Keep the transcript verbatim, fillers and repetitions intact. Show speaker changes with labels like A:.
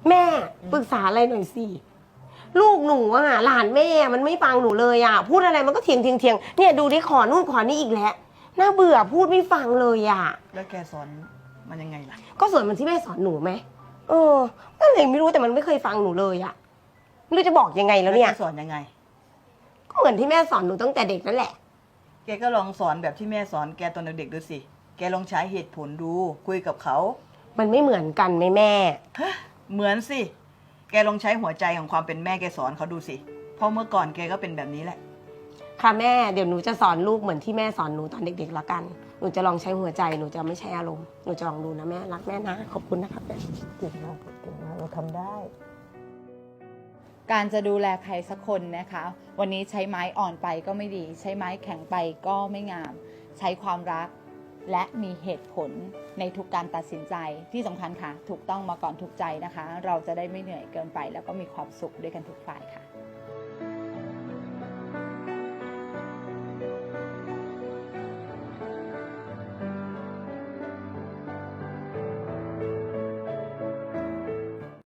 A: แม่ปรึกษาอะไรหน่อยสิลูกหนูอ่ะหลานแม่มันไม่ฟังหนูเลยอ่ะพูดอะไรมันก็เถียงเถียงเถียงเนี่ยดูดิขอนู่นขอนี่อีกแล้วน่าเบื่อพูดไม่ฟังเลยอ่ะ
B: แล้วแกสอนมันยังไงล่ะ
A: ก็ส่วนมันที่แม่สอนหนูไหมเออก็เลยไม่รู้แต่มันไม่เคยฟังหนูเลยอ่ะไม่รู้จะบอกยังไงแล้วเนี่ย
B: แกสอนยังไง
A: ก็เหมือนที่แม่สอนหนูตั้งแต่เด็กนั่นแหละ
B: แกก็ลองสอนแบบที่แม่สอนแกตอนเด็กๆดูสิแกลองใช้เหตุผลดูคุยกับเขา
A: มันไม่เหมือนกันไหมแม่
B: ฮะเหมือนสิแกลองใช้หัวใจของความเป็นแม่แกสอนเขาดูสิเพราะเมื่อก่อนแกก็เป็นแบบนี้แหละ
A: ค่ะแม่เดี๋ยวหนูจะสอนลูกเหมือนที่แม่สอนหนูตอนเด็กๆแล้วกันหนูจะลองใช้หัวใจหนูจะไม่ใช้อารมณ์หนูจะลองดูนะแม่รักแม่นะขอบคุณนะครับแม่
B: เก่งมากเก่งมากเราทำได้
C: การจะดูแลใครสักคนนะคะ วันนี้ใช้ไม้อ่อนไปก็ไม่ดี ใช้ไม้แข็งไปก็ไม่งาม ใช้ความรักและมีเหตุผลในทุกการตัดสินใจที่สำคัญค่ะถูกต้องมาก่อนถูกใจนะคะ เราจะได้ไม่เหนื่อยเกินไปแล้วก็มีความสุขด้วยกันทุกฝ่ายค่ะ